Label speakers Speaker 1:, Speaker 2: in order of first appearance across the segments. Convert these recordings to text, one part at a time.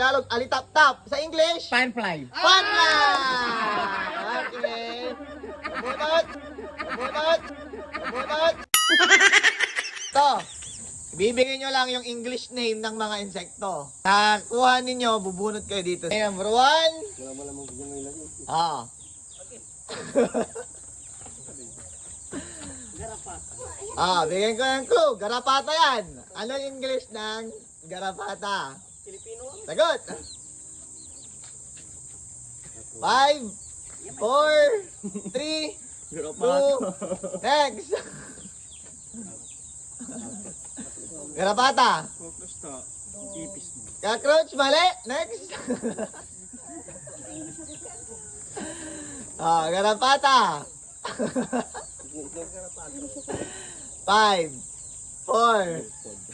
Speaker 1: Tagalog, alitap-tap. Sa English?
Speaker 2: Firefly.
Speaker 1: Panla! Okay. Bunot. Bunot. Bunot. Ito. Bibigyan nyo lang yung English name ng mga insekto. Nakuha ninyo, bubunot kayo dito. Okay, number 1. Ah. Bigyan ko ng clue. Garapata yan. Ano yung English ng garapata?
Speaker 3: Pilipino?
Speaker 1: Sagot! 5, 4, 3, 2, next! Garapata! Cockroach, mali! Next! Garapata! 5, 4,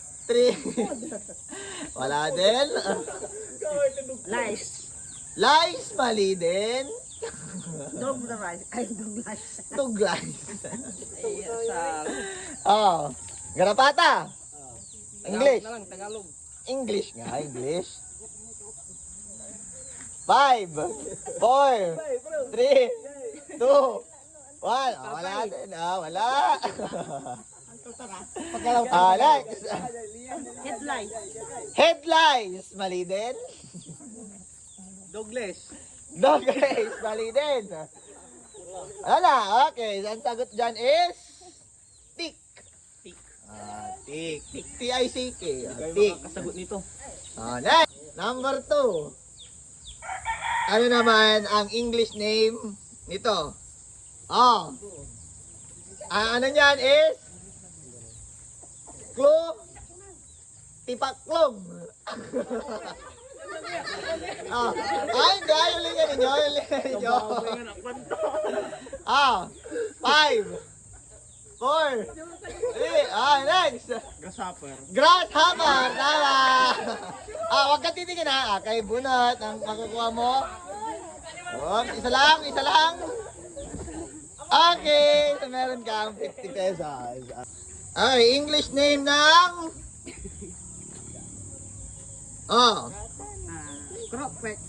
Speaker 1: 3, wala din.
Speaker 3: Lice.
Speaker 1: Lice, mali din.
Speaker 3: Dog the rice. Ay, dog lice.
Speaker 1: Dog lice.
Speaker 3: Sa...
Speaker 1: Garapata. English.
Speaker 3: Na lang, Tagalog.
Speaker 1: English nga, English. 5, 4, 3, 2, 1. Wala din. Wala. Next.
Speaker 3: Headlight.
Speaker 1: Headlights, mali din.
Speaker 2: Douglas.
Speaker 1: Dog race, mali din. Wala, okay. Ang sagot dyan is tick.
Speaker 2: Tick.
Speaker 1: Tick. T-I-C-K.
Speaker 2: Kayo
Speaker 1: Tick.
Speaker 2: makakasagot nito.
Speaker 1: Next. Number 2. Ano naman ang English name nito? Ano niyan is tipaklong. Hindi. Yung linga ninyo. 5, 4, 3, next.
Speaker 2: Grasshopper.
Speaker 1: Grasshopper. Tama. Huwag ka titingin ha. Kay bunot ang makukuha mo. Isa lang. Okay. So meron kang 50 pesos. Okay, English name ng...
Speaker 3: Croquet.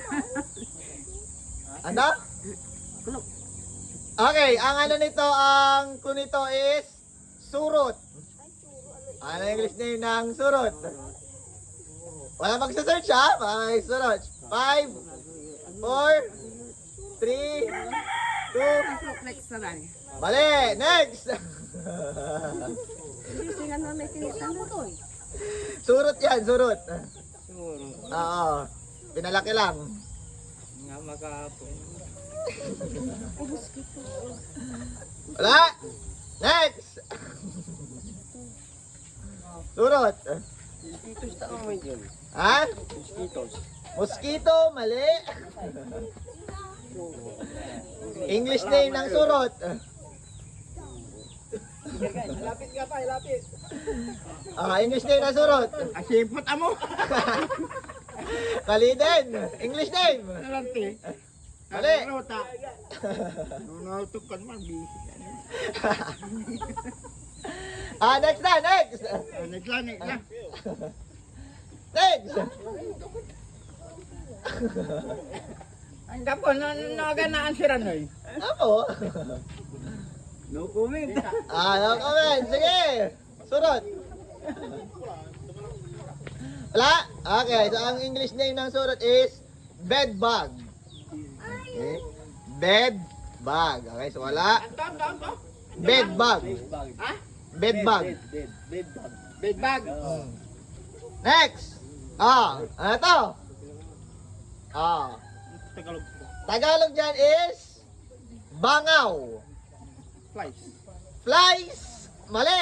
Speaker 1: Ano?
Speaker 3: Kulok.
Speaker 1: Okay, ang ano nito, ang clue nito is surot. Ano ang English name ng surot? Wala magsa-search ha? Okay, surot. 5, 4, 3, 2,
Speaker 3: Croquet sa lang.
Speaker 1: mali! Next!
Speaker 3: Hindi sila na may tinitan na to eh.
Speaker 1: Surot yan, surot.
Speaker 2: Siguro.
Speaker 1: Oo. Pinalaki lang.
Speaker 2: Nga makahapon.
Speaker 1: Wala! Next! Surot.
Speaker 2: Mosquitoes ta mo yun.
Speaker 1: Ha?
Speaker 2: Mosquitoes.
Speaker 1: Mosquito, mali. English name ng surot.
Speaker 2: Lapit nga pa, lapit.
Speaker 1: English name ng surot.
Speaker 2: Asipot amo.
Speaker 1: Mali din. English name.
Speaker 2: Alante.
Speaker 1: Mali.
Speaker 2: Rota. Nunutukan man busy.
Speaker 1: Next na, next.
Speaker 2: Naglanik na.
Speaker 1: Next.
Speaker 2: Ang kapon na ganaan si Ranoy.
Speaker 1: Apo.
Speaker 2: No comment.
Speaker 1: No comment. Sige. Surot. Wala? Okay, so ang English name ng surot is bed bug. Okay. Bed bug. Okay, so wala. Bed bug.
Speaker 2: Ha?
Speaker 1: Bed bug.
Speaker 2: Bed bag.
Speaker 1: Next. Ano to?
Speaker 2: Tagalog.
Speaker 1: Tagalog dyan is bangaw.
Speaker 2: Flies.
Speaker 1: Flies. Mali.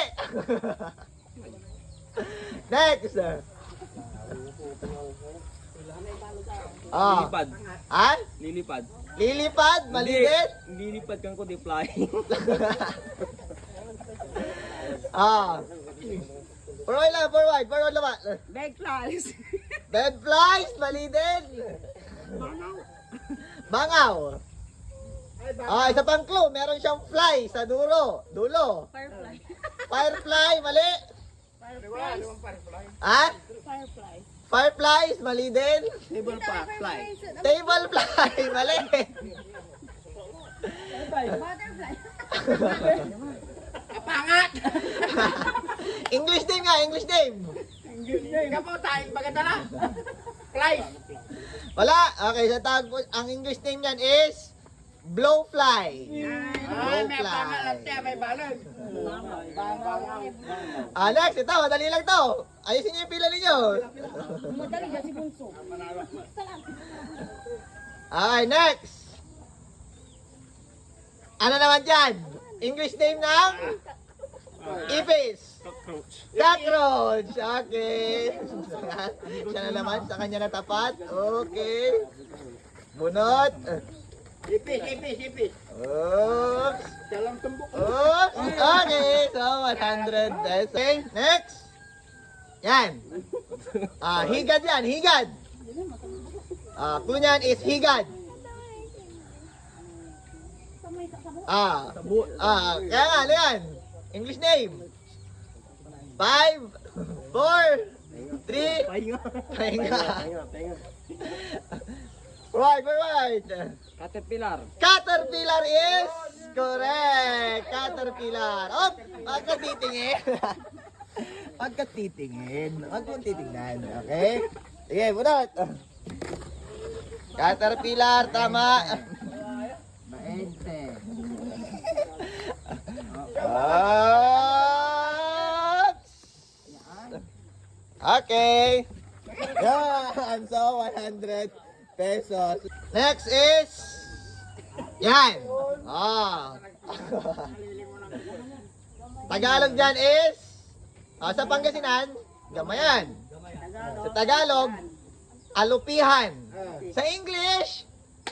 Speaker 1: Next.
Speaker 2: Lilipad. Lilipad.
Speaker 1: Lilipad. Mali din.
Speaker 2: Lilipad kang ko di fly.
Speaker 1: Forward lang, forward. Forward lang.
Speaker 3: Big flies.
Speaker 1: Bed flies. Mali din. Bangaw. Isa pang clue. Meron siyang fly sa dulo.
Speaker 3: Firefly.
Speaker 1: Firefly. Mali.
Speaker 3: Firefly.
Speaker 1: Ha?
Speaker 3: Firefly.
Speaker 1: Fireflies, mali din.
Speaker 2: Table pa, fly.
Speaker 1: Table fly, mali.
Speaker 3: Butterfly.
Speaker 2: Kapangat!
Speaker 1: English name nga, English name.
Speaker 2: Kapo tayo, maganda na. Fly.
Speaker 1: Wala. Okay, sa tawag po, ang English name niyan is blowfly.
Speaker 2: Ay, may pangalan tayo, may balon.
Speaker 1: Next, ito, madali lang to. Ayusin niyo yung pila ninyo.
Speaker 3: Madali dyan si Bunso.
Speaker 1: Okay, next. Ano naman dyan? English name ng ipis. Cockroach. Okay. Siya na naman, sa kanya natapat. Okay. Bunot.
Speaker 2: Ipis.
Speaker 1: Oops.
Speaker 2: Dalang tumbok.
Speaker 1: Oops. Okay, so 100 pesos. Okay, next. Yan. Higad yan, higad. Clue niyan is higad. Kaya nga, ano yan? English name. 5, 4, 3, pahinga. Right.
Speaker 2: Caterpillar.
Speaker 1: Caterpillar is correct. Caterpillar. Oh, wag ka titingin. Wag ka titingin. Wag mong titingnan. Okay? Sige, bunot. Caterpillar, tama.
Speaker 2: Maente.
Speaker 1: Oops. Okay. Yan. So, 100 pesos. Next is yan. Tagalog dyan is sa Pangasinan, gamayan. Sa Tagalog, alupihan. Sa English,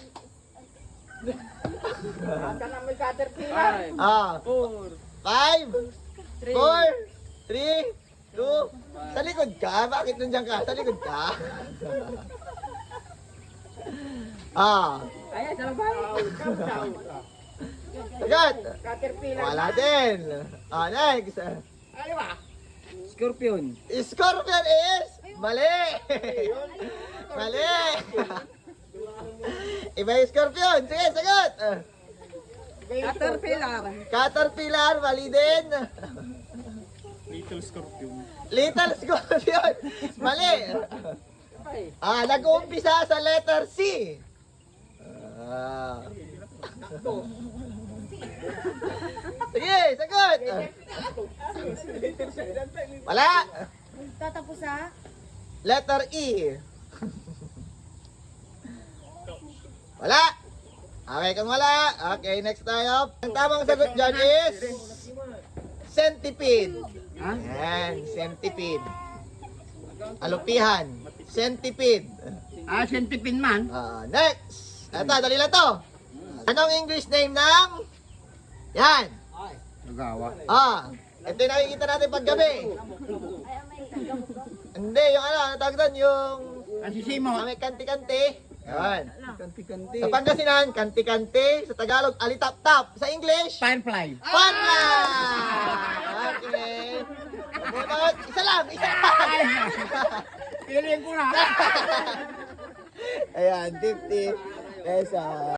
Speaker 2: Aka na may caterpillar.
Speaker 1: 5, 4, 3, 2, sa likod ka? Bakit nandiyan ka? Sa likod ka?
Speaker 2: Ayan, sa labay.
Speaker 1: Sagot!
Speaker 2: Caterpillar.
Speaker 1: Wala din. Next.
Speaker 2: Ano ba? Scorpion.
Speaker 1: Scorpion is mali. Mali. Iba yung scorpion. Sige, sagot.
Speaker 2: Caterpillar.
Speaker 1: Caterpillar, mali din.
Speaker 4: Little scorpion.
Speaker 1: Little scorpion. Mali. Nag-uumpisa sa letter C. Sige, sagot. Wala.
Speaker 3: Tatapos sa
Speaker 1: Letter E. Wala. Okay, kung wala. Okay, next tayo. Ang tamang sagot dyan is centipede. Yan, centipede. Alupihan. Centipede.
Speaker 2: Centipede man.
Speaker 1: Next. Ito, dali lang to. Anong English name ng... Yan.
Speaker 2: Nagawa.
Speaker 1: Ito yung nakikita natin paggabi. Hindi, yung ano tawag doon, yung...
Speaker 2: Asisimo.
Speaker 1: May kanti-kanti. Yan.
Speaker 2: Kanti-kanti.
Speaker 1: Sa Pangasinan, kanti-kanti. Sa Tagalog, alitap-tap. Sa English,
Speaker 2: Firefly.
Speaker 1: Panla! Okay. Bunot, isa lang.
Speaker 2: Piliin ko na.
Speaker 1: Ayan, 50 pesos.